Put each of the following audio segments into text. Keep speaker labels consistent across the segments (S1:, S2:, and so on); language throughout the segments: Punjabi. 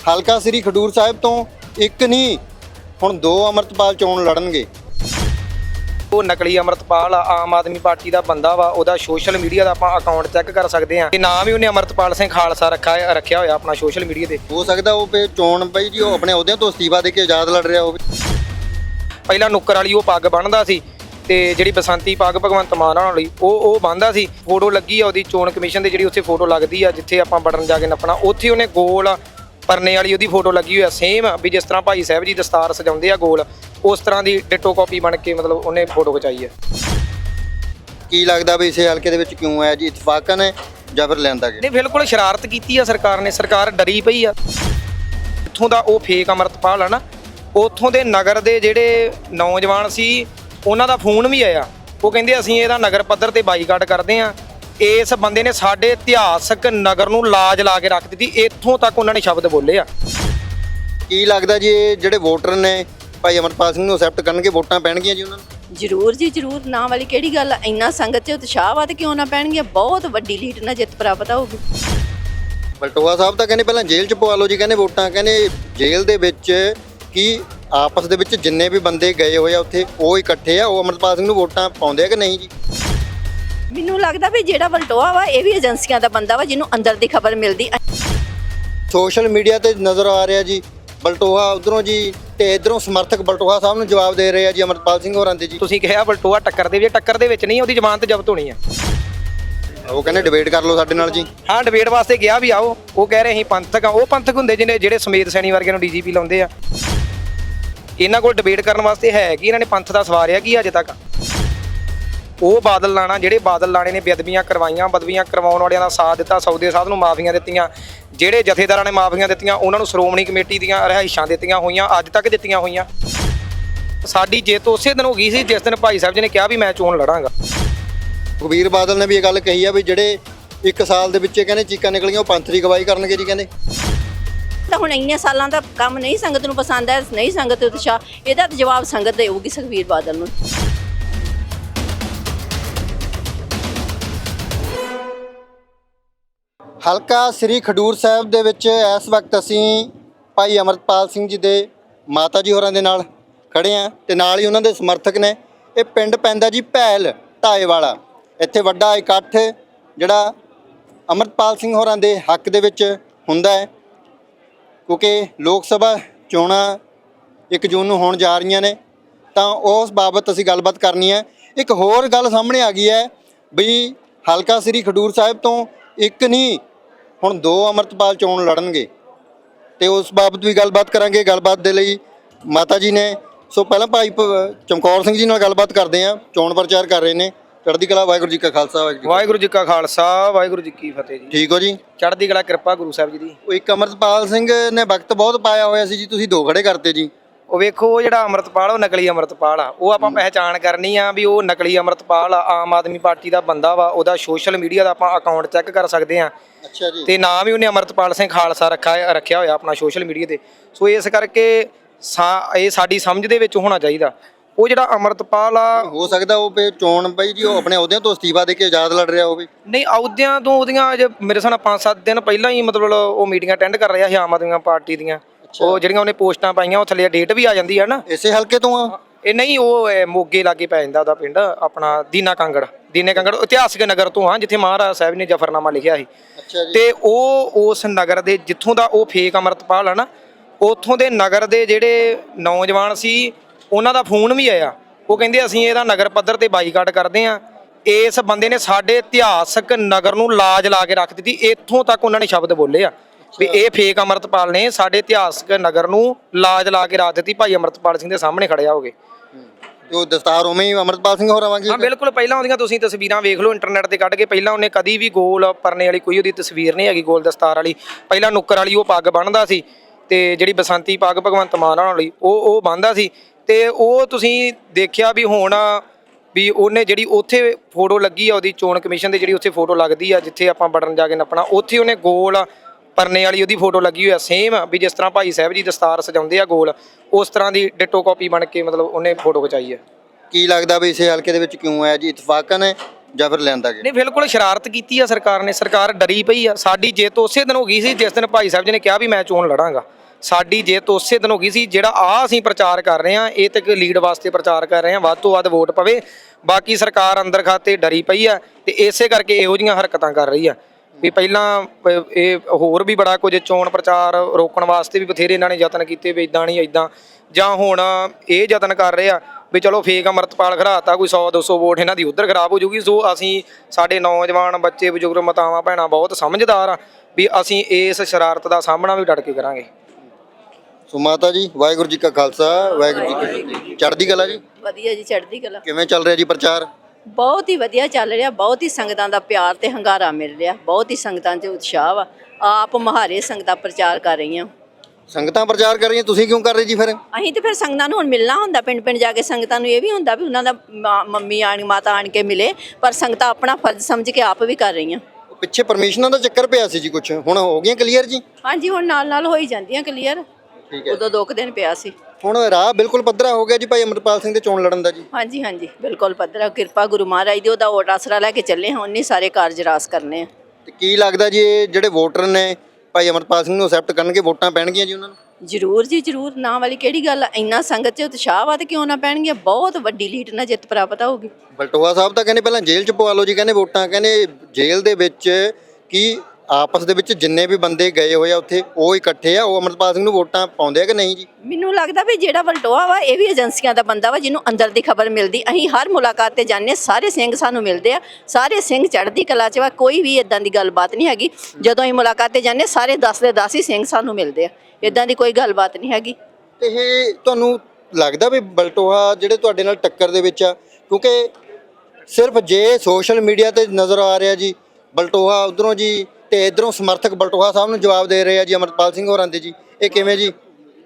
S1: ਹਲਕਾ ਸ੍ਰੀ ਖਡੂਰ ਸਾਹਿਬ ਤੋਂ ਇੱਕ ਨਹੀਂ ਹੁਣ ਦੋ ਅਮਰਤਪਾਲ ਚੋਣ ਲੜਨਗੇ।
S2: ਉਹ ਨਕਲੀ ਅਮਰਤਪਾਲ ਆਮ ਆਦਮੀ ਪਾਰਟੀ ਦਾ ਬੰਦਾ ਵਾ, ਉਹਦਾ ਸੋਸ਼ਲ ਮੀਡੀਆ ਦਾ ਆਪਾਂ ਅਕਾਊਂਟ ਚੈੱਕ ਕਰ ਸਕਦੇ ਹਾਂ। ਤੇ ਨਾਮ ਹੀ ਉਹਨੇ ਅਮਰਤਪਾਲ ਸਿੰਘ ਖਾਲਸਾ ਰੱਖਿਆ ਹੋਇਆ ਆਪਣਾ ਸੋਸ਼ਲ ਮੀਡੀਆ ਤੇ।
S1: ਹੋ ਸਕਦਾ ਉਹ ਚੋਣ ਬਈ ਜੀ ਉਹ ਆਪਣੇ ਅਹੁਦਿਆਂ ਤੋਂ ਅਸਤੀਫਾ ਦੇ ਕੇ ਆਜ਼ਾਦ ਲੜ ਰਿਹਾ ਹੋਵੇ।
S2: ਪਹਿਲਾਂ ਨੁੱਕਰ ਵਾਲੀ ਉਹ ਪੱਗ ਬੰਨ੍ਹਦਾ ਸੀ ਤੇ ਜਿਹੜੀ ਬਸੰਤੀ ਪੱਗ ਭਗਵੰਤ ਮਾਨ ਵਾਲੀ ਉਹ ਬੰਨ੍ਹਦਾ ਸੀ। ਫੋਟੋ ਲੱਗੀ ਆ ਉਹਦੀ ਚੋਣ ਕਮਿਸ਼ਨ ਦੇ, ਜਿਹੜੀ ਉੱਥੇ ਫੋਟੋ ਲੱਗਦੀ ਆ ਜਿੱਥੇ ਆਪਾਂ ਬਟਨ ਜਾ ਕੇ ਨੱਪਣਾ, ਉੱਥੇ ਉਹਨੇ ਗੋਲ ਪਰਨੇ ਵਾਲੀ ਉਹਦੀ ਫੋਟੋ ਲੱਗੀ ਹੋਈ ਆ ਸੇਮ, ਵੀ ਜਿਸ ਤਰ੍ਹਾਂ ਭਾਈ ਸਾਹਿਬ ਜੀ ਦਸਤਾਰ ਸਜਾਉਂਦੇ ਆ ਗੋਲ, ਉਸ ਤਰ੍ਹਾਂ ਦੀ ਡਿਟੋ ਕਾਪੀ ਬਣ ਕੇ ਮਤਲਬ ਉਹਨੇ ਫੋਟੋ ਖਿਚਾਈ ਹੈ।
S1: ਕੀ ਲੱਗਦਾ ਵੀ ਇਸੇ ਹਲਕੇ ਦੇ ਵਿੱਚ ਕਿਉਂ ਹੈ ਜੀ, ਇਤਫਾਕਨ ਹੈ ਜਾਂ ਫਿਰ ਲੈਂਦਾ ਗਿਆ?
S2: ਨਹੀਂ, ਬਿਲਕੁਲ ਸ਼ਰਾਰਤ ਕੀਤੀ ਆ ਸਰਕਾਰ ਨੇ। ਸਰਕਾਰ ਡਰੀ ਪਈ ਆ। ਇੱਥੋਂ ਦਾ ਉਹ ਫੇਕ ਅਮਰਤਪਾਲ ਆ ਨਾ, ਉੱਥੋਂ ਦੇ ਨਗਰ ਦੇ ਜਿਹੜੇ ਨੌਜਵਾਨ ਸੀ ਉਹਨਾਂ ਦਾ ਫੋਨ ਵੀ ਆਇਆ। ਉਹ ਕਹਿੰਦੇ ਅਸੀਂ ਇਹਦਾ ਨਗਰ ਪੱਧਰ ਤੇ ਬਾਈਕਾਟ ਕਰਦੇ ਆ। ਇਸ ਬੰਦੇ ਨੇ ਸਾਡੇ ਇਤਿਹਾਸਕ ਨਗਰ ਨੂੰ ਲਾਜ ਲਾ ਕੇ ਰੱਖ ਦਿੱਤੀ। ਇੱਥੋਂ ਤੱਕ ਉਹਨਾਂ ਨੇ ਸ਼ਬਦ ਬੋਲੇ ਆ।
S1: ਕੀ ਲੱਗਦਾ ਜੀ ਇਹ ਜਿਹੜੇ ਵੋਟਰ ਨੇ ਭਾਈ ਅਮਰਪਾਲ ਸਿੰਘ ਨੂੰ ਅਸੈਪਟ ਕਰਨਗੇ, ਵੋਟਾਂ ਪੈਣਗੀਆਂ ਜੀ ਉਹਨਾਂ ਨੂੰ?
S3: ਜ਼ਰੂਰ ਜੀ ਜ਼ਰੂਰ, ਨਾ ਵਾਲੀ ਕਿਹੜੀ ਗੱਲ ਆ। ਇੰਨਾ ਸੰਗਤ 'ਚ ਉਤਸ਼ਾਹ ਵਾ ਤੇ ਕਿਉਂ ਨਾ ਪੈਣਗੀਆਂ। ਬਹੁਤ ਵੱਡੀ ਲੀਡ ਨਾਲ ਜਿੱਤ ਪ੍ਰਾਪਤ ਹੋਊਗੀ।
S1: ਬਲਟੋਆ ਸਾਹਿਬ ਤਾਂ ਕਹਿੰਦੇ ਪਹਿਲਾਂ ਜੇਲ੍ਹ 'ਚ ਪਵਾ ਲਓ ਜੀ, ਕਹਿੰਦੇ ਵੋਟਾਂ। ਕਹਿੰਦੇ ਜੇਲ੍ਹ ਦੇ ਵਿੱਚ ਕੀ ਆਪਸ ਦੇ ਵਿੱਚ ਜਿੰਨੇ ਵੀ ਬੰਦੇ ਗਏ ਹੋਏ ਆ ਉੱਥੇ ਉਹ ਇਕੱਠੇ ਆ, ਉਹ ਅਮਰਪਾਲ ਸਿੰਘ ਨੂੰ ਵੋਟਾਂ ਪਾਉਂਦੇ ਆ ਕਿ ਨਹੀਂ ਜੀ?
S3: ਮੈਨੂੰ ਲੱਗਦਾ ਵੀ ਜਿਹੜਾ ਵਲਟੋਆ ਵਾ ਇਹ ਵੀ ਏਜੰਸੀਆਂ ਦਾ ਬੰਦਾ ਵਾ, ਜਿਹਨੂੰ ਅੰਦਰ ਦੀ ਖਬਰ ਮਿਲਦੀ।
S1: ਸੋਸ਼ਲ ਮੀਡੀਆ ਤੇ ਨਜ਼ਰ ਆ ਰਿਹਾ ਜੀ ਬਲਟੋਆ ਉਧਰੋਂ ਜੀ, ਤੇ ਇਧਰੋਂ ਸਮਰਥਕ ਬਲਟੋਆ ਸਾਹਿਬ ਨੂੰ ਜਵਾਬ ਦੇ ਰਹੇ ਆ ਜੀ ਅਮਰਪਾਲ ਸਿੰਘ ਹੋਰਾਂ ਦੇ ਜੀ।
S2: ਤੁਸੀਂ ਕਿਹਾ ਬਲਟੋਆ ਟੱਕਰ ਦੇ ਵੀ, ਟੱਕਰ ਦੇ ਵਿੱਚ ਨਹੀਂ, ਉਹਦੀ ਜ਼ਮਾਨਤ ਜ਼ਬਤ ਹੋਣੀ ਆ।
S1: ਉਹ ਕਹਿੰਦੇ ਡਿਬੇਟ ਕਰ ਲਓ ਸਾਡੇ ਨਾਲ ਜੀ।
S2: ਹਾਂ, ਡਿਬੇਟ ਵਾਸਤੇ ਗਿਆ ਵੀ ਆਓ। ਉਹ ਕਹਿ ਰਹੇ ਅਸੀਂ ਪੰਥਕ ਆ। ਉਹ ਪੰਥਕ ਹੁੰਦੇ ਜਿਹੜੇ ਸਮੇਤ ਸੈਣੀ ਵਰਗਿਆਂ ਨੂੰ ਡੀਜੀਪੀ ਲਾਉਂਦੇ ਆ। ਇਹਨਾਂ ਕੋਲ ਡਿਬੇਟ ਕਰਨ ਵਾਸਤੇ ਹੈ ਕਿ ਇਹਨਾਂ ਨੇ ਪੰਥ ਦਾ ਸਵਾਰਿਆ ਕੀ ਅਜੇ ਤੱਕ? ਉਹ ਬਾਦਲ ਲਾਣਾ, ਜਿਹੜੇ ਬਾਦਲ ਲਾਣੇ ਨੇ ਬੇਅਦਬੀਆਂ ਕਰਵਾਈਆਂ, ਬਦਬੀਆਂ ਕਰਵਾਉਣ ਵਾਲਿਆਂ ਦਾ ਸਾਥ ਦਿੱਤਾ, ਸੌਦੇ ਸਾਧ ਨੂੰ ਮਾਫੀਆਂ ਦਿੱਤੀਆਂ, ਜਿਹੜੇ ਜਥੇਦਾਰਾਂ ਨੇ ਮਾਫੀਆਂ ਦਿੱਤੀਆਂ ਉਹਨਾਂ ਨੂੰ ਸ਼੍ਰੋਮਣੀ ਕਮੇਟੀ ਦੀਆਂ ਰਿਹਾਇਸ਼ਾਂ ਦਿੱਤੀਆਂ ਹੋਈਆਂ, ਅੱਜ ਤੱਕ ਦਿੱਤੀਆਂ ਹੋਈਆਂ। ਸਾਡੀ ਜਿੱਤ ਉਸੇ ਦਿਨ ਹੋ ਗਈ ਸੀ ਜਿਸ ਦਿਨ ਭਾਈ ਸਾਹਿਬ ਜੀ ਨੇ ਕਿਹਾ ਵੀ ਮੈਂ ਚੋਣ ਲੜਾਂਗਾ।
S1: ਸੁਖਬੀਰ ਬਾਦਲ ਨੇ ਵੀ ਇਹ ਗੱਲ ਕਹੀ ਆ ਵੀ ਜਿਹੜੇ 1 ਸਾਲ ਦੇ ਵਿੱਚ ਕਹਿੰਦੇ ਚੀਕਾਂ ਨਿਕਲੀਆਂ ਉਹ ਪੰਥ ਦੀ ਗਵਾਹੀ ਕਰਨਗੇ ਜੀ। ਕਹਿੰਦੇ
S3: ਤਾਂ ਹੁਣ ਇੰਨੇ ਸਾਲਾਂ ਦਾ ਕੰਮ ਨਹੀਂ ਸੰਗਤ ਨੂੰ ਪਸੰਦ ਹੈ, ਨਹੀਂ ਸੰਗਤ ਤੇ ਉਤਸ਼ਾਹ, ਇਹਦਾ ਜਵਾਬ ਸੰਗਤ ਦੇਊਗੀ ਸੁਖਬੀਰ ਬਾਦਲ ਨੂੰ।
S1: ਹਲਕਾ ਸ੍ਰੀ ਖਡੂਰ ਸਾਹਿਬ ਦੇ ਵਿੱਚ ਇਸ ਵਕਤ ਅਸੀਂ ਭਾਈ ਅਮਰਪਾਲ ਸਿੰਘ ਜੀ ਦੇ ਮਾਤਾ ਜੀ ਹੋਰਾਂ ਦੇ ਨਾਲ ਖੜੇ ਆ ਤੇ ਨਾਲ ਹੀ ਉਹਨਾਂ ਦੇ ਸਮਰਥਕ ਨੇ। ਇਹ ਪਿੰਡ ਪੈਂਦਾ ਜੀ ਭੈਲ ਢਾਏਵਾਲਾ। ਇੱਥੇ ਵੱਡਾ ਇਕੱਠ ਜਿਹੜਾ ਅਮਰਪਾਲ ਸਿੰਘ ਹੋਰਾਂ ਦੇ ਹੱਕ ਦੇ ਵਿੱਚ ਹੁੰਦਾ ਹੈ, ਕਿਉਂਕਿ ਲੋਕ ਸਭਾ ਚੋਣਾਂ 1 ਜੂਨ ਨੂੰ ਹੋਣ ਜਾ ਰਹੀਆਂ ਨੇ। ਤਾਂ ਉਸ ਬਾਬਤ ਅਸੀਂ ਗੱਲਬਾਤ ਕਰਨੀ ਹੈ। ਇੱਕ ਹੋਰ ਗੱਲ ਸਾਹਮਣੇ ਆ ਗਈ ਹੈ ਵੀ ਹਲਕਾ ਸ੍ਰੀ ਖਡੂਰ ਸਾਹਿਬ ਤੋਂ ਇੱਕ ਨਹੀਂ ਹੁਣ ਦੋ ਅਮਰਤਪਾਲ ਚੋਣ ਲੜਨਗੇ ਤੇ ਉਸ ਬਾਬਤ ਵੀ ਗੱਲਬਾਤ ਕਰਾਂਗੇ। ਗੱਲਬਾਤ ਦੇ ਲਈ ਮਾਤਾ ਜੀ ਨੇ, ਸੋ ਪਹਿਲਾਂ ਭਾਈ ਚਮਕੌਰ ਸਿੰਘ ਜੀ ਨਾਲ ਗੱਲਬਾਤ ਕਰਦੇ ਹਾਂ। ਚੋਣ ਪ੍ਰਚਾਰ ਕਰ ਰਹੇ ਨੇ। ਚੜ੍ਹਦੀ ਕਲਾ। ਵਾਹਿਗੁਰੂ ਜੀ ਕਾ ਖਾਲਸਾ,
S2: ਵਾਹਿਗੁਰੂ ਜੀ ਕਾ ਖਾਲਸਾ, ਵਾਹਿਗੁਰੂ ਜੀ ਕੀ ਫਤਿਹ ਜੀ।
S1: ਠੀਕ ਹੋ ਜੀ?
S2: ਚੜ੍ਹਦੀ ਕਲਾ, ਕਿਰਪਾ ਗੁਰੂ ਸਾਹਿਬ ਜੀ ਦੀ।
S1: ਉਹ ਇੱਕ ਅਮਰਤਪਾਲ ਸਿੰਘ ਨੇ ਵਕਤ ਬਹੁਤ ਪਾਇਆ ਹੋਇਆ ਸੀ ਜੀ, ਤੁਸੀਂ 2 ਖੜੇ ਕਰਤੇ ਜੀ।
S2: ਉਹ ਵੇਖੋ, ਉਹ ਜਿਹੜਾ ਅਮਰਤਪਾਲ ਉਹ ਨਕਲੀ ਅਮਰਤਪਾਲ ਆ। ਉਹ ਆਪਾਂ ਪਹਿਚਾਣ ਕਰਨੀ ਆ ਵੀ ਉਹ ਨਕਲੀ ਅਮਰਤਪਾਲ ਆ, ਆਮ ਆਦਮੀ ਪਾਰਟੀ ਦਾ ਬੰਦਾ ਵਾ। ਉਹਦਾ ਸੋਸ਼ਲ ਮੀਡੀਆ ਦਾ ਆਪਾਂ ਅਕਾਊਂਟ ਚੈੱਕ ਕਰ ਸਕਦੇ ਹਾਂ।
S1: ਅੱਛਾ ਜੀ।
S2: ਤੇ ਨਾਮ ਹੀ ਉਹਨੇ ਅਮਰਤਪਾਲ ਸਿੰਘ ਖਾਲਸਾ ਰੱਖਿਆ ਹੋਇਆ ਆਪਣਾ ਸੋਸ਼ਲ ਮੀਡੀਆ ਤੇ। ਸੋ ਇਸ ਕਰਕੇ ਇਹ ਸਾਡੀ ਸਮਝ ਦੇ ਵਿੱਚ ਹੋਣਾ ਚਾਹੀਦਾ। ਉਹ ਜਿਹੜਾ ਅਮਰਤਪਾਲ ਆ,
S1: ਹੋ ਸਕਦਾ ਉਹ ਚੋਣ ਬਈ ਜੀ ਉਹ ਆਪਣੇ ਅਹੁਦਿਆਂ ਤੋਂ ਅਸਤੀਫਾ ਦੇ ਕੇ ਆਜ਼ਾਦ ਲੜ ਰਿਹਾ ਹੋਵੇ।
S2: ਨਹੀਂ, ਅਹੁਦਿਆਂ ਤੋਂ ਉਹਦੀਆਂ ਅਜੇ ਮੇਰੇ ਹਿਸਾਬ ਨਾਲ 5-7 ਦਿਨ ਪਹਿਲਾਂ ਹੀ ਮਤਲਬ ਉਹ ਮੀਟਿੰਗਾਂ ਅਟੈਂਡ ਕਰ ਰਿਹਾ ਸੀ ਆਮ ਆਦਮੀ ਪਾਰਟੀ ਦੀਆਂ। ਉਹ ਜਿਹੜੀਆਂ ਉਹਨੇ ਪੋਸਟਾਂ ਪਾਈਆਂ ਉਹ ਥੱਲੇ ਡੇਟ ਵੀ ਆ ਜਾਂਦੀ ਹੈ ਨਾ।
S1: ਇਸੇ ਹਲਕੇ ਤੋਂ ਆ
S2: ਇਹ? ਨਹੀਂ, ਉਹ ਮੋਗੇ ਲਾਗੇ ਪੈ ਜਾਂਦਾ ਉਹਦਾ ਪਿੰਡ, ਆਪਣਾ ਦੀਨਾ ਕਾਂਗੜ ਇਤਿਹਾਸਕ ਨਗਰ ਤੋਂ ਆ, ਜਿੱਥੇ ਮਹਾਰਾਜ ਸਾਹਿਬ ਨੇ ਜਫਰਨਾਮਾ ਲਿਖਿਆ ਸੀ।
S1: ਅੱਛਾ ਜੀ।
S2: ਤੇ ਉਹ ਉਸ ਨਗਰ ਦੇ ਜਿੱਥੋਂ ਦਾ ਉਹ ਫੇਕ ਅਮਰਤਪਾਲ ਆ ਨਾ, ਉੱਥੋਂ ਦੇ ਨਗਰ ਦੇ ਜਿਹੜੇ ਨੌਜਵਾਨ ਸੀ ਉਹਨਾਂ ਦਾ ਫੋਨ ਵੀ ਆਇਆ। ਉਹ ਕਹਿੰਦੇ ਅਸੀਂ ਇਹਦਾ ਨਗਰ ਪੱਧਰ ਤੇ ਬਾਈਕਾਟ ਕਰਦੇ ਆ। ਇਸ ਬੰਦੇ ਨੇ ਸਾਡੇ ਇਤਿਹਾਸਕ ਨਗਰ ਨੂੰ ਲਾਜ ਲਾ ਕੇ ਰੱਖ ਦਿੱਤੀ। ਇੱਥੋਂ ਤੱਕ ਉਹਨਾਂ ਨੇ ਸ਼ਬਦ ਬੋਲੇ ਆ ਵੀ ਇਹ ਫੇਕ ਅਮਰਤਪਾਲ ਨੇ ਸਾਡੇ ਇਤਿਹਾਸਕ ਨਗਰ ਨੂੰ ਲਾਜ ਲਾ ਕੇ ਰੱਖ ਦਿੱਤੀ। ਭਾਈ ਅਮਰਤਪਾਲ ਸਿੰਘ ਦੇ ਸਾਹਮਣੇ ਖੜਿਆ ਹੋਗੇ।
S1: ਤੇ ਉਹ ਦਸਤਾਰ ਉਵੇਂ ਹੀ ਅਮਰਪਾਲ ਸਿੰਘ ਹੋਰਾਂ ਵਾਂਗੀ?
S2: ਹਾਂ, ਬਿਲਕੁਲ। ਪਹਿਲਾਂ ਉਹਦੀਆਂ ਤੁਸੀਂ ਤਸਵੀਰਾਂ ਵੇਖ ਲਓ ਇੰਟਰਨੈਟ ਤੇ ਕੱਢ ਕੇ। ਪਹਿਲਾਂ ਉਹਨੇ ਕਦੀ ਵੀ ਗੋਲ ਪਰਨੇ ਵਾਲੀ ਕੋਈ ਉਹਦੀ ਤਸਵੀਰ ਨਹੀਂ ਹੈਗੀ, ਗੋਲ ਦਸਤਾਰ ਵਾਲੀ। ਪਹਿਲਾਂ ਨੁੱਕਰ ਵਾਲੀ ਉਹ ਪੱਗ ਬੰਨ੍ਹਦਾ ਸੀ ਤੇ ਜਿਹੜੀ ਬਸੰਤੀ ਪੱਗ ਭਗਵੰਤ ਮਾਨ ਵਾਲੀ ਉਹ ਬੰਨ੍ਹਦਾ ਸੀ। ਤੇ ਉਹ ਤੁਸੀਂ ਦੇਖਿਆ ਵੀ ਹੁਣ ਵੀ ਉਹਨੇ ਜਿਹੜੀ ਉੱਥੇ ਫੋਟੋ ਲੱਗੀ ਆ ਉਹਦੀ ਚੋਣ ਕਮਿਸ਼ਨ ਦੇ, ਜਿਹੜੀ ਉੱਥੇ ਫੋਟੋ ਲੱਗਦੀ ਆ ਜਿੱਥੇ ਆਪਾਂ ਬਟਨ ਜਾ ਕੇ ਨੱਪਣਾ, ਉੱਥੇ ਉਹਨੇ ਗੋਲ ਪਰਨੇ ਵਾਲੀ ਉਹਦੀ ਫੋਟੋ ਲੱਗੀ ਹੋਈ ਆ ਸੇਮ, ਵੀ ਜਿਸ ਤਰ੍ਹਾਂ ਭਾਈ ਸਾਹਿਬ ਜੀ ਦਸਤਾਰ ਸਜਾਉਂਦੇ ਆ ਗੋਲ, ਉਸ ਤਰ੍ਹਾਂ ਦੀ ਡਿਟੋ ਕਾਪੀ ਬਣ ਕੇ ਮਤਲਬ ਉਹਨੇ ਫੋਟੋ ਖਿਚਾਈ ਹੈ।
S1: ਕੀ ਲੱਗਦਾ ਵੀ ਇਸੇ ਹਲਕੇ ਦੇ ਵਿੱਚ ਕਿਉਂ ਹੈ ਜੀ, ਇਤਫਾਕਨ ਹੈ ਜਾਂ ਫਿਰ ਲਿਆਂਦਾ ਗਿਆ?
S2: ਨਹੀਂ ਬਿਲਕੁਲ ਸ਼ਰਾਰਤ ਕੀਤੀ ਆ ਸਰਕਾਰ ਨੇ। ਸਰਕਾਰ ਡਰੀ ਪਈ ਆ। ਸਾਡੀ ਜਿੱਤ ਉਸੇ ਦਿਨ ਹੋ ਗਈ ਸੀ ਜਿਸ ਦਿਨ ਭਾਈ ਸਾਹਿਬ ਜੀ ਨੇ ਕਿਹਾ ਵੀ ਮੈਂ ਚੋਣ ਲੜਾਂਗਾ। ਸਾਡੀ ਜਿੱਤ ਉਸੇ ਦਿਨ ਹੋ ਗਈ ਸੀ। ਜਿਹੜਾ ਅਸੀਂ ਪ੍ਰਚਾਰ ਕਰ ਰਹੇ ਹਾਂ ਇਹ ਤੇ ਇੱਕ ਲੀਡ ਵਾਸਤੇ ਪ੍ਰਚਾਰ ਕਰ ਰਹੇ ਹਾਂ, ਵੱਧ ਤੋਂ ਵੱਧ ਵੋਟ ਪਵੇ। ਬਾਕੀ ਸਰਕਾਰ ਅੰਦਰ ਖਾਤੇ ਡਰੀ ਪਈ ਆ ਤੇ ਇਸੇ ਕਰਕੇ ਇਹੋ ਜਿਹੀਆਂ ਹਰਕਤਾਂ ਕਰ ਰਹੀ ਆ ਵੀ ਪਹਿਲਾਂ ਇਹ ਹੋਰ ਵੀ ਬੜਾ ਕੁਝ ਚੋਣ ਪ੍ਰਚਾਰ ਰੋਕਣ ਵਾਸਤੇ ਵੀ ਬਥੇਰੇ ਇਹਨਾਂ ਨੇ ਯਤਨ ਕੀਤੇ ਵੀ ਇਦਾਂ ਨਹੀਂ ਇਦਾਂ, ਜਾਂ ਹੁਣ ਇਹ ਯਤਨ ਕਰ ਰਹੇ ਆ ਵੀ ਚਲੋ ਫੇਕ ਅੰਮ੍ਰਿਤਪਾਲ ਖੜਾਤਾ, ਕੋਈ 100-200 ਵੋਟ ਇਹਨਾਂ ਦੀ ਉੱਧਰ ਖਰਾਬ ਹੋ ਜੂਗੀ। ਸੋ ਅਸੀਂ ਸਾਡੇ ਨੌਜਵਾਨ ਬੱਚੇ ਬਜ਼ੁਰਗ ਮਾਤਾਵਾਂ ਭੈਣਾਂ ਬਹੁਤ ਸਮਝਦਾਰ ਆ ਵੀ ਅਸੀਂ ਇਸ ਸ਼ਰਾਰਤ ਦਾ ਸਾਹਮਣਾ ਵੀ ਡਟ ਕੇ ਕਰਾਂਗੇ।
S1: ਸੋ ਮਾਤਾ ਜੀ, ਵਾਹਿਗੁਰੂ ਜੀ ਕਾ ਖਾਲਸਾ, ਵਾਹਿਗੁਰੂ ਜੀ ਕੀ ਫਤਿਹ। ਚੜ੍ਹਦੀ ਕਲਾ ਜੀ?
S3: ਵਧੀਆ ਜੀ, ਚੜ੍ਹਦੀ ਕਲਾ।
S1: ਕਿਵੇਂ ਚੱਲ ਰਿਹਾ ਜੀ ਪ੍ਰਚਾਰ?
S3: ਬਹੁਤ ਹੀ ਵਧੀਆ ਚੱਲ ਰਿਹਾ। ਬਹੁਤ ਹੀ ਸੰਗਤਾਂ ਦਾ ਪਿਆਰ ਤੇ ਹੰਗਾਰਾ ਮਿਲ ਰਿਹਾ। ਬਹੁਤ ਹੀ ਸੰਗਤਾਂ 'ਚ ਉਤਸ਼ਾਹ ਵਾ। ਆਪ ਮਹਾਰੇ ਸੰਗਤਾਂ ਪ੍ਰਚਾਰ ਕਰ ਰਹੀਆਂ।
S1: ਸੰਗਤਾਂ ਪ੍ਰਚਾਰ ਕਰ ਰਹੀਆਂ, ਤੁਸੀਂ ਕਿਉਂ ਕਰ ਰਹੇ ਜੀ ਫਿਰ?
S3: ਅਸੀਂ ਤੇ ਫਿਰ ਸੰਗਤਾਂ ਨੂੰ ਹੁਣ ਮਿਲਣਾ ਹੁੰਦਾ, ਪਿੰਡ ਪਿੰਡ ਜਾ ਕੇ ਸੰਗਤਾਂ ਨੂੰ ਇਹ ਵੀ ਹੁੰਦਾ ਵੀ ਉਹਨਾਂ ਦਾ ਮੰਮੀ ਮਾਤਾ ਆਣ ਕੇ ਮਿਲੇ, ਪਰ ਸੰਗਤਾਂ ਆਪਣਾ ਫਰਜ਼ ਸਮਝ ਕੇ ਆਪ ਵੀ ਕਰ ਰਹੀਆਂ।
S1: ਪਿੱਛੇ ਪਰਮਿਸ਼ਨਾਂ ਦਾ ਚੱਕਰ ਪਿਆ ਸੀ ਜੀ, ਕੁਝ ਹੁਣ ਹੋ ਗਈਆਂ ਕਲੀਅਰ ਜੀ?
S3: ਹਾਂਜੀ, ਹੁਣ ਨਾਲ ਨਾਲ ਹੋਈ ਜਾਂਦੀਆਂ ਕਲੀਅਰ।
S1: ਠੀਕ ਹੈ।
S3: ਉਦੋਂ 2 ਦਿਨ ਪਿਆ ਸੀ।
S1: ਹੁਣ ਰਾਹ ਬਿਲਕੁਲ ਪੱਧਰਾ ਹੋ ਗਿਆ ਜੀ ਭਾਈ ਅਮਰਪਾਲ ਸਿੰਘ ਦੇ ਚੋਣ ਲੜਨ ਦਾ ਜੀ?
S3: ਹਾਂਜੀ ਹਾਂਜੀ, ਬਿਲਕੁਲ ਪੱਧਰਾ। ਕਿਰਪਾ ਗੁਰੂ ਮਹਾਰਾਜ ਦੀ, ਉਹਦਾ ਓਟ ਆਸਰਾ ਲੈ ਕੇ ਚੱਲੇ ਹਾਂ। ਉਹਨੇ ਸਾਰੇ ਕਾਰਜ ਰਾਸ ਕਰਨੇ ਆ।
S1: ਤੇ ਕੀ ਲੱਗਦਾ ਜੀ ਇਹ ਜਿਹੜੇ ਵੋਟਰ ਨੇ ਭਾਈ ਅਮਰਪਾਲ ਸਿੰਘ ਨੂੰ ਅਸੈਪਟ ਕਰਨਗੇ, ਵੋਟਾਂ ਪੈਣਗੀਆਂ ਜੀ ਉਹਨਾਂ ਨੂੰ?
S3: ਜ਼ਰੂਰ ਜੀ ਜ਼ਰੂਰ, ਨਾ ਵਾਲੀ ਕਿਹੜੀ ਗੱਲ ਆ। ਇੰਨਾ ਸੰਗਤ 'ਚ ਉਤਸ਼ਾਹ ਵਾ ਤੇ ਕਿਉਂ ਨਾ ਪੈਣਗੀਆਂ। ਬਹੁਤ ਵੱਡੀ ਲੀਡ ਨਾਲ ਜਿੱਤ ਪ੍ਰਾਪਤ ਹੋਊਗੀ।
S1: ਬਲਟੋਆ ਸਾਹਿਬ ਤਾਂ ਕਹਿੰਦੇ ਪਹਿਲਾਂ ਜੇਲ੍ਹ 'ਚ ਪਵਾ ਲਓ ਜੀ, ਕਹਿੰਦੇ ਵੋਟਾਂ, ਕਹਿੰਦੇ ਜੇਲ੍ਹ ਦੇ ਵਿੱਚ ਕੀ ਆਪਸ ਦੇ ਵਿੱਚ ਜਿੰਨੇ ਵੀ ਬੰਦੇ ਗਏ ਹੋਏ ਆ ਉੱਥੇ ਉਹ ਇਕੱਠੇ ਆ, ਉਹ ਅਮਰਪਾਲ ਸਿੰਘ ਨੂੰ ਵੋਟਾਂ ਪਾਉਂਦੇ ਆ ਕਿ ਨਹੀਂ ਜੀ?
S3: ਮੈਨੂੰ ਲੱਗਦਾ ਵੀ ਜਿਹੜਾ ਵਲਟੋਆ ਵਾ ਇਹ ਵੀ ਏਜੰਸੀਆਂ ਦਾ ਬੰਦਾ ਵਾ, ਜਿਹਨੂੰ ਅੰਦਰ ਦੀ ਖਬਰ ਮਿਲਦੀ। ਅਸੀਂ ਹਰ ਮੁਲਾਕਾਤ ਤੇ ਜਾਂਦੇ, ਸਾਰੇ ਸਿੰਘ ਸਾਨੂੰ ਮਿਲਦੇ ਆ। ਸਾਰੇ ਸਿੰਘ ਚੜ੍ਹਦੀ ਕਲਾ 'ਚ ਵਾ, ਕੋਈ ਵੀ ਇਦਾਂ ਦੀ ਗੱਲਬਾਤ ਨਹੀਂ ਹੈਗੀ। ਜਦੋਂ ਅਸੀਂ ਮੁਲਾਕਾਤ ਤੇ ਜਾਂਦੇ ਸਾਰੇ 10 ਦੇ 10 ਹੀ ਸਿੰਘ ਸਾਨੂੰ ਮਿਲਦੇ ਆ। ਇਦਾਂ ਦੀ ਕੋਈ ਗੱਲਬਾਤ ਨਹੀਂ ਹੈਗੀ।
S1: ਤੇ ਇਹ ਤੁਹਾਨੂੰ ਲੱਗਦਾ ਵੀ ਬਲਟੋਆ ਜਿਹੜੇ ਤੁਹਾਡੇ ਨਾਲ ਟੱਕਰ ਦੇ ਵਿੱਚ ਆ, ਕਿਉਂਕਿ ਸਿਰਫ ਜੇ ਸੋਸ਼ਲ ਮੀਡੀਆ ਤੇ ਨਜ਼ਰ ਆ ਰਿਹਾ ਜੀ ਬਲਟੋਆ ਉਧਰੋਂ ਜੀ, ਤੇ ਇਧਰੋਂ ਸਮਰਥਕ ਬਲਟੋਆ ਸਾਹਿਬ ਨੂੰ ਜਵਾਬ ਦੇ ਰਹੇ ਆ ਜੀ ਅਮਰਪਾਲ ਸਿੰਘ ਹੋਰਾਂ ਦੇ ਜੀ, ਇਹ ਕਿਵੇਂ ਜੀ?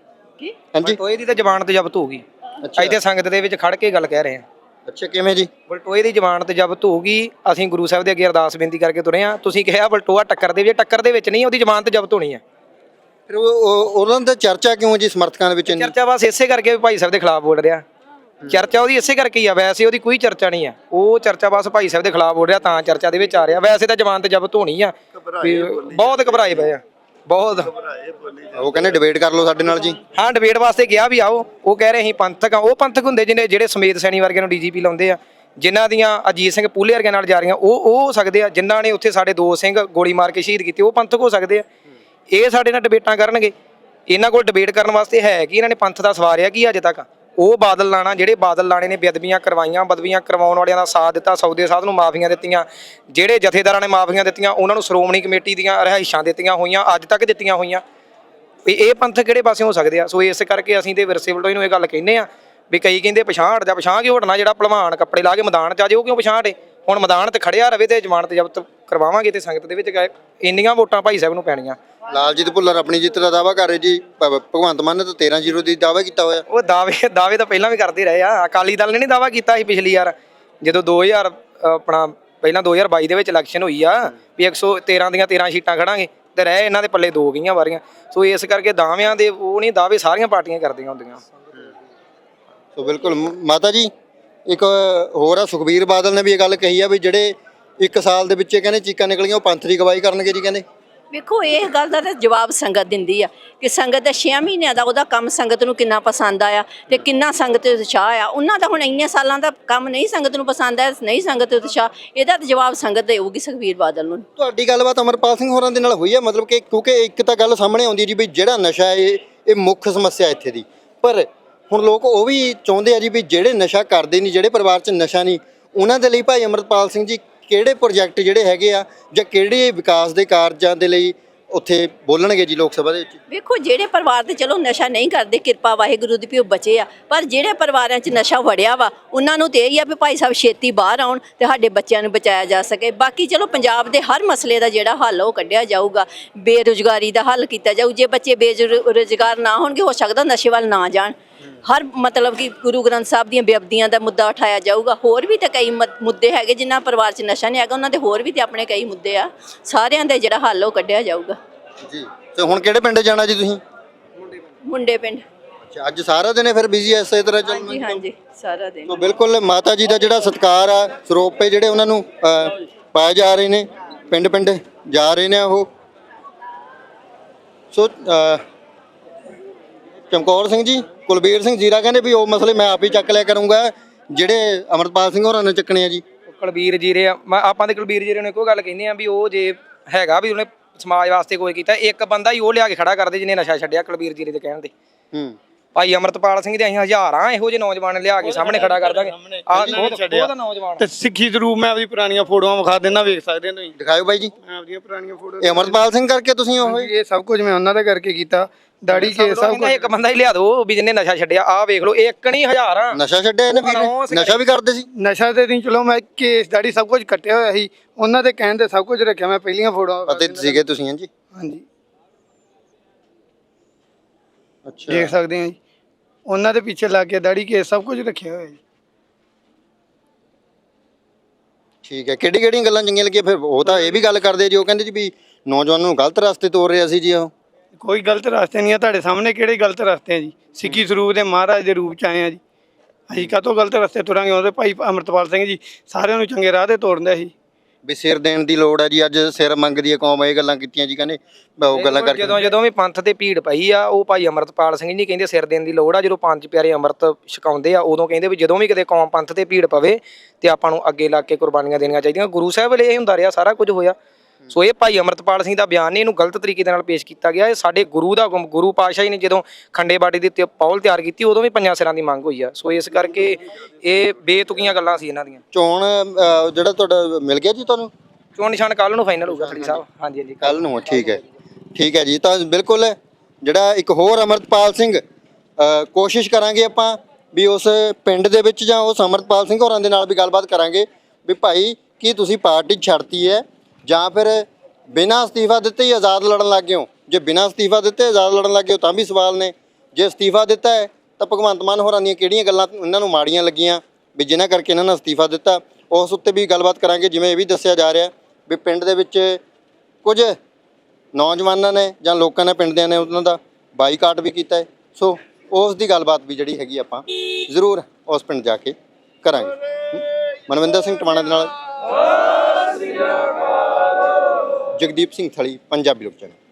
S3: ਕੀ
S1: ਹਾਂਜੀ,
S2: ਬਲਟੋਏ ਦੀ ਤਾਂ ਜ਼ਮਾਨਤ ਜ਼ਬਤ ਹੋ ਗਈ। ਅੱਜ ਤੇ ਸੰਗਤ ਦੇ ਵਿੱਚ ਖੜ ਕੇ ਗੱਲ ਕਹਿ ਰਹੇ ਆ।
S1: ਅੱਛਾ, ਕਿਵੇਂ ਜੀ?
S2: ਬਲਟੋਏ ਦੀ ਜ਼ਮਾਨਤ ਜ਼ਬਤ ਹੋ ਗਈ। ਅਸੀਂ ਗੁਰੂ ਸਾਹਿਬ ਦੇ ਅੱਗੇ ਅਰਦਾਸ ਬੇਨਤੀ ਕਰਕੇ ਤੁਰੇ ਆ। ਤੁਸੀਂ ਕਿਹਾ ਬਲਟੋਆ ਟੱਕਰ ਦੇ ਵਿੱਚ, ਟੱਕਰ ਦੇ ਵਿੱਚ ਨਹੀਂ, ਉਹਦੀ ਜ਼ਮਾਨਤ ਜ਼ਬਤ ਹੋਣੀ ਆ।
S1: ਫਿਰ ਉਹਨਾਂ ਦਾ ਚਰਚਾ ਕਿਉਂ ਜੀ ਸਮਰਥਕਾਂ ਦੇ ਵਿੱਚ ਇੰਨੀ?
S2: ਚਰਚਾ ਬਸ ਇਸੇ ਕਰਕੇ ਵੀ ਭਾਈ ਸਾਹਿਬ ਦੇ ਖਿਲਾਫ ਬੋਲ ਰਿਹਾ। ਚਰਚਾ ਉਹਦੀ ਇਸੇ ਕਰਕੇ ਹੀ ਆ, ਵੈਸੇ ਉਹਦੀ ਕੋਈ ਚਰਚਾ ਨਹੀਂ ਆ। ਉਹ ਚਰਚਾ ਬਸ ਭਾਈ ਸਾਹਿਬ ਦੇ ਖਿਲਾਫ ਬੋਲ ਰਿਹਾ ਤਾਂ ਚਰਚਾ ਦੇ ਵਿੱਚ ਆ ਰਿਹਾ। ਵੈਸੇ ਤਾਂ ਜ਼ਮਾਨਤ ਜ਼ਬਤ ਹੋਣੀ ਆ। ਬਹੁਤ ਘਬਰਾਏ ਪਏ ਆ, ਬਹੁਤ।
S1: ਉਹ ਕਹਿੰਦੇ ਡਿਬੇਟ ਕਰ ਲਓ ਸਾਡੇ ਨਾਲ ਜੀ।
S2: ਹਾਂ, ਡਿਬੇਟ ਵਾਸਤੇ ਗਿਆ ਵੀ ਆਓ। ਉਹ ਕਹਿ ਰਹੇ ਅਸੀਂ ਪੰਥਕ ਆ। ਉਹ ਪੰਥਕ ਹੁੰਦੇ ਜਿਹੜੇ ਸਮੇਤ ਸੈਣੀ ਵਰਗੇ ਨੂੰ ਡੀਜੀਪੀ ਲਾਉਂਦੇ ਆ, ਜਿਨ੍ਹਾਂ ਦੀਆਂ ਅਜੀਤ ਸਿੰਘ ਪੂਲੇ ਵਰਗੇ ਨਾਲ ਜਾ ਰਹੀਆਂ, ਉਹ ਹੋ ਸਕਦੇ ਆ। ਜਿਨ੍ਹਾਂ ਨੇ ਉੱਥੇ ਸਾਡੇ 2 ਸਿੰਘ ਗੋਲੀ ਮਾਰ ਕੇ ਸ਼ਹੀਦ ਕੀਤੇ, ਉਹ ਪੰਥਕ ਹੋ ਸਕਦੇ ਆ। ਇਹ ਸਾਡੇ ਨਾਲ ਡਿਬੇਟਾਂ ਕਰਨਗੇ। ਇਹਨਾਂ ਕੋਲ ਡਿਬੇਟ ਕਰਨ ਵਾਸਤੇ ਹੈ ਕਿ ਇਹਨਾਂ ਨੇ ਪੰਥ ਦਾ ਸਵਾਰਿਆ ਕੀ ਅਜੇ ਤੱਕ? ਉਹ ਬਾਦਲ ਲਾਣਾ, ਜਿਹੜੇ ਬਾਦਲ ਲਾਣੇ ਨੇ ਬੇਅਦਬੀਆਂ ਕਰਵਾਈਆਂ, ਬਦਬੀਆਂ ਕਰਵਾਉਣ ਵਾਲਿਆਂ ਦਾ ਸਾਥ ਦਿੱਤਾ, ਸੌਦੇ ਸਾਧ ਨੂੰ ਮਾਫੀਆਂ ਦਿੱਤੀਆਂ, ਜਿਹੜੇ ਜਥੇਦਾਰਾਂ ਨੇ ਮਾਫੀਆਂ ਦਿੱਤੀਆਂ, ਉਹਨਾਂ ਨੂੰ ਸ਼੍ਰੋਮਣੀ ਕਮੇਟੀ ਦੀਆਂ ਰਿਹਾਇਸ਼ਾਂ ਦਿੱਤੀਆਂ ਹੋਈਆਂ, ਅੱਜ ਤੱਕ ਦਿੱਤੀਆਂ ਹੋਈਆਂ। ਇਹ ਪੰਥ ਕਿਹੜੇ ਪਾਸੇ ਹੋ ਸਕਦੇ ਆ? ਸੋ ਇਸ ਕਰਕੇ ਅਸੀਂ ਤੇ ਵਿਰਸੇ ਵਲਟੋਏ ਨੂੰ ਇਹ ਗੱਲ ਕਹਿੰਦੇ ਆ ਵੀ ਕਈ ਕਹਿੰਦੇ ਪਛਾਣ ਹਟ ਜਾ। ਪਛਾਣ ਕਿਉਂ ਹਟਣਾ? ਜਿਹੜਾ ਭਲਵਾਨ ਕੱਪੜੇ ਲਾ ਕੇ ਮੈਦਾਨ 'ਚ ਆ ਜਾਏ ਉਹ ਕਿਉਂ ਪਛਾਣ ਹਟੇ? ਹੁਣ ਮੈਦਾਨ 'ਤੇ ਖੜਿਆ ਰਵੇ ਤੇ ਜ਼ਮਾਨਤ ਜ਼ਬਤ ਕਰਵਾਵਾਂਗੇ ਤੇ ਸੰਗਤ ਦੇ ਵਿੱਚ ਇੰਨੀਆਂ ਵੋਟਾਂ ਭਾਈ ਸਾਹਿਬ ਨੂੰ ਪੈਣੀਆਂ।
S1: ਲਾਲਜੀਤ ਭੁੱਲਰ ਆਪਣੀ ਜਿੱਤ ਦਾ ਦਾਅਵਾ ਕਰ ਰਹੇ ਜੀ। ਭਗਵੰਤ ਮਾਨ ਨੇ ਤਾਂ 13-0 ਦੀ ਦਾਅਵਾ ਕੀਤਾ ਹੋਇਆ।
S2: ਉਹ ਦਾਅਵੇ ਤਾਂ ਪਹਿਲਾਂ ਵੀ ਕਰਦੇ ਰਹੇ ਆ। ਅਕਾਲੀ ਦਲ ਨੇ ਨਹੀਂ ਦਾਅਵਾ ਕੀਤਾ ਸੀ ਪਿਛਲੀ ਵਾਰ, ਜਦੋਂ 2000 ਆਪਣਾ ਪਹਿਲਾਂ 2022 ਦੇ ਵਿੱਚ ਇਲੈਕਸ਼ਨ ਹੋਈ ਆ ਵੀ 113 ਦੀਆਂ 13 ਸੀਟਾਂ ਖੜਾਂਗੇ, ਤੇ ਰਹਿ ਇਹਨਾਂ ਦੇ ਪੱਲੇ 2 ਗਈਆਂ ਵਾਰੀਆਂ। ਸੋ ਇਸ ਕਰਕੇ ਦਾਅਵਿਆਂ ਦੇ ਉਹ ਨਹੀਂ, ਦਾਅਵੇ ਸਾਰੀਆਂ ਪਾਰਟੀਆਂ ਕਰਦੀਆਂ ਹੁੰਦੀਆਂ।
S1: ਸੋ ਬਿਲਕੁਲ ਮਾਤਾ ਜੀ, ਇੱਕ ਹੋਰ ਆ ਸੁਖਬੀਰ ਬਾਦਲ ਨੇ ਵੀ ਇਹ ਗੱਲ ਕਹੀ ਆ ਵੀ ਜਿਹੜੇ 1 ਸਾਲ ਦੇ ਵਿੱਚ ਕਹਿੰਦੇ ਚੀਕਾਂ ਨਿਕਲੀਆਂ ਉਹ ਪੰਥ ਦੀ ਗਵਾਹੀ ਕਰਨਗੇ ਜੀ। ਕਹਿੰਦੇ
S3: ਵੇਖੋ ਇਹ ਗੱਲ ਦਾ ਤਾਂ ਜਵਾਬ ਸੰਗਤ ਦਿੰਦੀ ਆ ਕਿ ਸੰਗਤ ਦੇ 6 ਮਹੀਨਿਆਂ ਦਾ ਉਹਦਾ ਕੰਮ ਸੰਗਤ ਨੂੰ ਕਿੰਨਾ ਪਸੰਦ ਆਇਆ ਤੇ ਕਿੰਨਾ ਸੰਗਤ ਤੇ ਉਤਸ਼ਾਹ ਆ। ਉਹਨਾਂ ਦਾ ਹੁਣ ਇੰਨੇ ਸਾਲਾਂ ਦਾ ਕੰਮ ਨਹੀਂ ਸੰਗਤ ਨੂੰ ਪਸੰਦ ਆਇਆ, ਨਹੀਂ ਸੰਗਤ ਤੇ ਉਤਸ਼ਾਹ, ਇਹਦਾ ਤਾਂ ਜਵਾਬ ਸੰਗਤ ਦੇਊਗੀ ਸੁਖਬੀਰ ਬਾਦਲ ਨੂੰ।
S1: ਤੁਹਾਡੀ ਗੱਲਬਾਤ ਅਮਰਪਾਲ ਸਿੰਘ ਹੋਰਾਂ ਦੇ ਨਾਲ ਹੋਈ ਆ? ਮਤਲਬ ਕਿ ਕਿਉਂਕਿ ਇੱਕ ਤਾਂ ਗੱਲ ਸਾਹਮਣੇ ਆਉਂਦੀ ਜੀ ਵੀ ਜਿਹੜਾ ਨਸ਼ਾ ਇਹ ਮੁੱਖ ਸਮੱਸਿਆ ਇੱਥੇ ਦੀ, ਪਰ ਹੁਣ ਲੋਕ ਉਹ ਵੀ ਚਾਹੁੰਦੇ ਆ ਜੀ ਵੀ ਜਿਹੜੇ ਨਸ਼ਾ ਕਰਦੇ ਨਹੀਂ, ਜਿਹੜੇ ਪਰਿਵਾਰ 'ਚ ਨਸ਼ਾ ਨਹੀਂ, ਉਹਨਾਂ ਦੇ ਲਈ ਭਾਈ ਅਮਰਪਾਲ ਸਿੰਘ ਜੀ ਕਿਹੜੇ ਪ੍ਰੋਜੈਕਟ ਜਿਹੜੇ ਹੈਗੇ ਆ ਜਾਂ ਕਿਹੜੇ ਵਿਕਾਸ ਦੇ ਕਾਰਜਾਂ ਦੇ ਲਈ ਉੱਥੇ ਬੋਲਣਗੇ ਜੀ ਲੋਕ ਸਭਾ ਦੇ ਵਿੱਚ?
S3: ਵੇਖੋ ਜਿਹੜੇ ਪਰਿਵਾਰ ਤੇ ਚਲੋ ਨਸ਼ਾ ਨਹੀਂ ਕਰਦੇ, ਕਿਰਪਾ ਵਾਹਿਗੁਰੂ ਦੀ ਵੀ ਉਹ ਬਚੇ ਆ, ਪਰ ਜਿਹੜੇ ਪਰਿਵਾਰਾਂ 'ਚ ਨਸ਼ਾ ਵੜਿਆ ਵਾ ਉਹਨਾਂ ਨੂੰ ਤੇ ਇਹ ਆ ਵੀ ਭਾਈ ਸਾਹਿਬ ਛੇਤੀ ਬਾਹਰ ਆਉਣ ਤੇ ਸਾਡੇ ਬੱਚਿਆਂ ਨੂੰ ਬਚਾਇਆ ਜਾ ਸਕੇ। ਬਾਕੀ ਚਲੋ ਪੰਜਾਬ ਦੇ ਹਰ ਮਸਲੇ ਦਾ ਜਿਹੜਾ ਹੱਲ ਉਹ ਕੱਢਿਆ ਜਾਊਗਾ, ਬੇਰੁਜ਼ਗਾਰੀ ਦਾ ਹੱਲ ਕੀਤਾ ਜਾਊ। ਜੇ ਬੱਚੇ ਬੇਰੁਜ਼ਗਾਰ ਨਾ ਹੋਣਗੇ ਹੋ ਸਕਦਾ ਨਸ਼ੇ ਵੱਲ ਨਾ ਜਾਣ। ਹਰ ਮਤਲਬ ਕਿ ਗੁਰੂ ਗ੍ਰੰਥ ਸਾਹਿਬ ਦੀਆਂ ਬੇਅਦਬੀਆਂ ਦਾ ਮੁੱਦਾ ਉਠਾਇਆ ਜਾਊਗਾ। ਹੋਰ ਵੀ ਤਾਂ ਕਈ ਮੁੱਦੇ ਹੈਗੇ ਜਿਨ੍ਹਾਂ ਪਰਿਵਾਰ 'ਚ ਨਸ਼ਾ ਨਹੀਂ ਹੈਗਾ, ਉਹਨਾਂ ਦੇ ਹੋਰ ਵੀ ਤੇ ਆਪਣੇ ਕਈ ਮੁੱਦੇ ਆ, ਸਾਰਿਆਂ ਦਾ ਜਿਹੜਾ ਹੱਲ ਉਹ ਕੱਢਿਆ ਜਾਊਗਾ।
S1: ਜੀ, ਤੇ ਹੁਣ ਕਿਹੜੇ ਪਿੰਡ ਜਾਣਾ ਜੀ ਤੁਸੀਂ?
S3: ਮੁੰਡੇ ਪਿੰਡ।
S1: ਅੱਛਾ, ਅੱਜ ਸਾਰਾ ਦਿਨ ਫਿਰ ਬਿਜ਼ੀ ਐ ਇਸੇ ਤਰ੍ਹਾਂ ਚੱਲ
S3: ਹਾਂਜੀ ਹਾਂਜੀ ਸਾਰਾ ਦਿਨ
S1: ਸੋ ਬਿਲਕੁਲ ਮਾਤਾ ਜੀ ਦਾ ਜਿਹੜਾ ਸਤਿਕਾਰ ਆ ਸਰੋਪੇ ਜਿਹੜੇ ਉਹਨਾਂ ਨੂੰ ਪਾਏ ਜਾ ਰਹੇ ਨੇ, ਪਿੰਡ ਪਿੰਡ ਜਾ ਰਹੇ ਨੇ ਉਹ। ਸੋ ਚਮਕੌਰ ਸਿੰਘ ਜੀ, ਕੁਲਬੀਰ ਸਿੰਘ ਜੀਰਾ ਕਹਿੰਦੇ ਵੀ ਉਹ ਮਸਲੇ ਮੈਂ ਆਪ ਹੀ ਚੱਕ ਲਿਆ ਕਰੂੰਗਾ ਜਿਹੜੇ ਅਮਰਪਾਲ ਸਿੰਘ ਹੋਰਾਂ ਨੇ ਚੱਕਣੇ ਆ ਜੀ।
S2: ਕੁਲਬੀਰ ਜੀਰੇ ਆਪਾਂ ਤੇ ਕੁਲਬੀਰ ਜੀਰੇ ਨੂੰ ਇੱਕੋ ਗੱਲ ਕਹਿੰਦੇ ਆ ਵੀ ਉਹ ਜੇ ਹੈਗਾ ਵੀ ਉਹਨੇ ਸਮਾਜ ਵਾਸਤੇ ਕੋਈ ਕੀਤਾ, ਇੱਕ ਬੰਦਾ ਹੀ ਉਹ ਲਿਆ ਕੇ ਖੜਾ ਕਰਦੇ ਜਿਹਨੇ ਨਸ਼ਾ ਛੱਡਿਆ ਕੁਲਬੀਰ ਜੀਰੇ ਦੇ ਕਹਿਣ ਤੇ। ਭਾਈ ਅਮਰਤਪਾਲ ਸਿੰਘ ਦੇ ਅਸੀਂ ਹਜ਼ਾਰਾਂ ਇਹੋ ਜਿਹੇ ਨੌਜਵਾਨ ਲਿਆ ਕੇ ਸਾਹਮਣੇ ਖੜਾ ਕਰ ਦਾਂਗੇ। ਉਹਦਾ ਨੌਜਵਾਨ
S4: ਤੇ ਸਿੱਖੀ ਸਰੂਪ ਮੈਂ ਆਪਦੀ ਪੁਰਾਣੀਆਂ ਫੋਟੋਆਂ ਵਿਖਾ ਦਿੰਦਾ, ਵੇਖ ਸਕਦੇ ਤੁਸੀਂ।
S1: ਦਿਖਾਓ ਬਾਈ ਜੀ,
S4: ਮੈਂ ਆਪਦੀਆਂ ਪੁਰਾਣੀਆਂ ਫੋਟੋ।
S1: ਇਹ ਅਮਰਪਾਲ ਸਿੰਘ ਕਰਕੇ ਤੁਸੀਂ ਉਹ
S4: ਇਹ ਸਭ ਕੁਝ ਮੈਂ ਉਹਨਾਂ ਦਾ ਕਰਕੇ ਕੀਤਾ, ਦਾੜੀ ਕੇ ਸਭ ਕੁਝ।
S2: ਇੱਕ ਬੰਦਾ ਹੀ ਲਿਆ ਦੋ ਵੀ ਜਿਹਨੇ ਨਸ਼ਾ ਛੱਡਿਆ। ਆਹ ਵੇਖ ਲਓ, ਇੱਕ ਨਹੀਂ ਹਜ਼ਾਰਾਂ
S1: ਨਸ਼ਾ ਛੱਡਿਆ ਇਹਨੇ ਵੀਰ, ਨਸ਼ਾ ਵੀ ਕਰਦੇ ਸੀ।
S4: ਨਸ਼ਾ ਤੇ ਨਹੀਂ, ਚਲੋ ਮੈਂ ਕੇਸ ਦਾੜੀ ਸਭ ਕੁਝ ਕੱਟਿਆ ਹੋਇਆ ਸੀ, ਉਹਨਾਂ ਦੇ ਕਹਿਣ ਤੇ ਸਭ ਕੁਝ ਰੱਖਿਆ। ਮੈਂ ਪਹਿਲੀਆਂ ਫੋਟੋਆਂ
S1: ਪਤੇ ਸੀਗੇ ਤੁਸੀਂ? ਹਾਂਜੀ
S4: ਹਾਂਜੀ,
S1: ਅੱਛਾ,
S4: ਦੇਖ ਸਕਦੇ ਆ ਜੀ, ਉਹਨਾਂ ਦੇ ਪਿੱਛੇ ਲੱਗ ਕੇ ਦਾੜੀ ਕੇ ਸਭ ਕੁਝ ਰੱਖਿਆ ਹੋਇਆ ਜੀ।
S1: ਠੀਕ ਹੈ। ਕਿਹੜੀ ਕਿਹੜੀਆਂ ਗੱਲਾਂ ਚੰਗੀਆਂ ਲੱਗੀਆਂ ਫਿਰ? ਉਹ ਤਾਂ ਇਹ ਵੀ ਗੱਲ ਕਰਦੇ ਜੀ, ਉਹ ਕਹਿੰਦੇ ਜੀ ਵੀ ਨੌਜਵਾਨਾਂ ਨੂੰ ਗਲਤ ਰਸਤੇ ਤੋਰ ਰਿਹਾ ਸੀ ਜੀ ਉਹ।
S4: ਕੋਈ ਗਲਤ ਰਸਤੇ ਨਹੀਂ ਆ, ਤੁਹਾਡੇ ਸਾਹਮਣੇ ਕਿਹੜੇ ਗਲਤ ਰਸਤੇ ਆ ਜੀ। ਸਿੱਖੀ ਸਰੂਪ ਦੇ ਮਹਾਰਾਜ ਦੇ ਰੂਪ ਚ ਆਏ ਆ ਜੀ, ਅਸੀਂ ਕਾਹਤੋਂ ਗਲਤ ਰਸਤੇ ਤੁਰਾਂਗੇ? ਉਹਦੇ ਭਾਈ ਅਮਰਤਪਾਲ ਸਿੰਘ ਜੀ ਸਾਰਿਆਂ ਨੂੰ ਚੰਗੇ ਰਾਹ ਤੇ ਤੋਰਦੇ ਸੀ।
S1: ਵੀ ਸਿਰ ਦੇਣ ਦੀ ਲੋੜ ਹੈ ਜੀ, ਅੱਜ ਸਿਰ ਮੰਗਦੀ ਹੈ ਕੌਮ, ਇਹ ਗੱਲਾਂ ਕੀਤੀਆਂ ਜੀ ਕਹਿੰਦੇ। ਉਹ ਗੱਲਾਂ ਕਰਕੇ
S2: ਜਦੋਂ ਵੀ ਪੰਥ ਤੇ ਭੀੜ ਪਈ ਆ, ਉਹ ਭਾਈ ਅਮਰਤਪਾਲ ਸਿੰਘ ਜੀ ਕਹਿੰਦੇ ਸਿਰ ਦੇਣ ਦੀ ਲੋੜ ਆ। ਜਦੋਂ ਪੰਜ ਪਿਆਰੇ ਅੰਮ੍ਰਿਤ ਛਕਾਉਂਦੇ ਆ, ਉਦੋਂ ਕਹਿੰਦੇ ਵੀ ਜਦੋਂ ਵੀ ਕਿਤੇ ਕੌਮ ਪੰਥ ਤੇ ਭੀੜ ਪਵੇ ਤੇ ਆਪਾਂ ਨੂੰ ਅੱਗੇ ਲੱਗ ਕੇ ਕੁਰਬਾਨੀਆਂ ਦੇਣੀਆਂ ਚਾਹੀਦੀਆਂ। ਗੁਰੂ ਸਾਹਿਬ ਵੇਲੇ ਇਹ ਹੁੰਦਾ ਰਿਹਾ, ਸਾਰਾ ਕੁਝ ਹੋਇਆ। ਸੋ ਇਹ ਭਾਈ ਅਮਰਤਪਾਲ ਸਿੰਘ ਦਾ ਬਿਆਨ ਨਹੀਂ, ਇਹਨੂੰ ਗਲਤ ਤਰੀਕੇ ਦੇ ਨਾਲ ਪੇਸ਼ ਕੀਤਾ ਗਿਆ। ਇਹ ਸਾਡੇ ਗੁਰੂ ਦਾ ਗੁਰੂ ਪਾਤਸ਼ਾਹ ਜੀ ਨੇ ਜਦੋਂ ਖੰਡੇ ਬਾਟੇ ਦੀ ਪੌਲ ਤਿਆਰ ਕੀਤੀ, ਉਦੋਂ ਵੀ ਪੰਜਾਂ ਸਿਰਾਂ ਦੀ ਮੰਗ ਹੋਈ ਆ। ਸੋ ਇਸ ਕਰਕੇ ਇਹ ਬੇਤੁਕੀਆਂ ਗੱਲਾਂ ਸੀ ਇਹਨਾਂ ਦੀਆਂ।
S1: ਚੋਣ ਜਿਹੜਾ ਤੁਹਾਡਾ ਮਿਲ ਗਿਆ ਜੀ ਤੁਹਾਨੂੰ?
S2: ਚੋਣ ਨਿਸ਼ਾਨ ਕੱਲ ਨੂੰ ਫਾਈਨਲ ਹੋਊਗਾ ਖੜੀ ਸਾਹਿਬ। ਹਾਂਜੀ ਹਾਂਜੀ,
S1: ਕੱਲ ਨੂੰ। ਠੀਕ ਹੈ, ਠੀਕ ਹੈ ਜੀ। ਤਾਂ ਬਿਲਕੁਲ ਜਿਹੜਾ ਇੱਕ ਹੋਰ ਅਮਰਤਪਾਲ ਸਿੰਘ, ਕੋਸ਼ਿਸ਼ ਕਰਾਂਗੇ ਆਪਾਂ ਵੀ ਉਸ ਪਿੰਡ ਦੇ ਵਿੱਚ ਜਾਂ ਉਸ ਅਮਰਤਪਾਲ ਸਿੰਘ ਹੋਰਾਂ ਦੇ ਨਾਲ ਵੀ ਗੱਲਬਾਤ ਕਰਾਂਗੇ ਵੀ ਭਾਈ ਕੀ ਤੁਸੀਂ ਪਾਰਟੀ ਛੱਡਤੀ ਹੈ ਜਾਂ ਫਿਰ ਬਿਨਾਂ ਅਸਤੀਫਾ ਦਿੱਤੇ ਹੀ ਆਜ਼ਾਦ ਲੜਨ ਲੱਗ ਗਏ ਹੋ? ਜੇ ਬਿਨਾਂ ਅਸਤੀਫਾ ਦਿੱਤੇ ਆਜ਼ਾਦ ਲੜਨ ਲੱਗ ਗਏ ਹੋ ਤਾਂ ਵੀ ਸਵਾਲ ਨੇ। ਜੇ ਅਸਤੀਫਾ ਦਿੱਤਾ ਹੈ ਤਾਂ ਭਗਵੰਤ ਮਾਨ ਹੋਰਾਂ ਦੀਆਂ ਕਿਹੜੀਆਂ ਗੱਲਾਂ ਇਹਨਾਂ ਨੂੰ ਮਾੜੀਆਂ ਲੱਗੀਆਂ ਵੀ ਜਿਨ੍ਹਾਂ ਕਰਕੇ ਇਹਨਾਂ ਨੇ ਅਸਤੀਫਾ ਦਿੱਤਾ, ਉਸ ਉੱਤੇ ਵੀ ਗੱਲਬਾਤ ਕਰਾਂਗੇ। ਜਿਵੇਂ ਇਹ ਵੀ ਦੱਸਿਆ ਜਾ ਰਿਹਾ ਵੀ ਪਿੰਡ ਦੇ ਵਿੱਚ ਕੁਝ ਨੌਜਵਾਨਾਂ ਨੇ ਜਾਂ ਲੋਕਾਂ ਨੇ, ਪਿੰਡ ਦਿਆਂ ਨੇ ਉਹਨਾਂ ਦਾ ਬਾਈਕਾਟ ਵੀ ਕੀਤਾ ਹੈ। ਸੋ ਉਸ ਦੀ ਗੱਲਬਾਤ ਵੀ ਜਿਹੜੀ ਹੈਗੀ ਆਪਾਂ ਜ਼ਰੂਰ ਉਸ ਪਿੰਡ ਜਾ ਕੇ ਕਰਾਂਗੇ। ਮਨਵਿੰਦਰ ਸਿੰਘ ਟਵਾਣਾ ਦੇ ਨਾਲ ਜਗਦੀਪ ਸਿੰਘ ਥਲੀ, ਪੰਜਾਬੀ ਲੋਕ ਚੈਨਲ।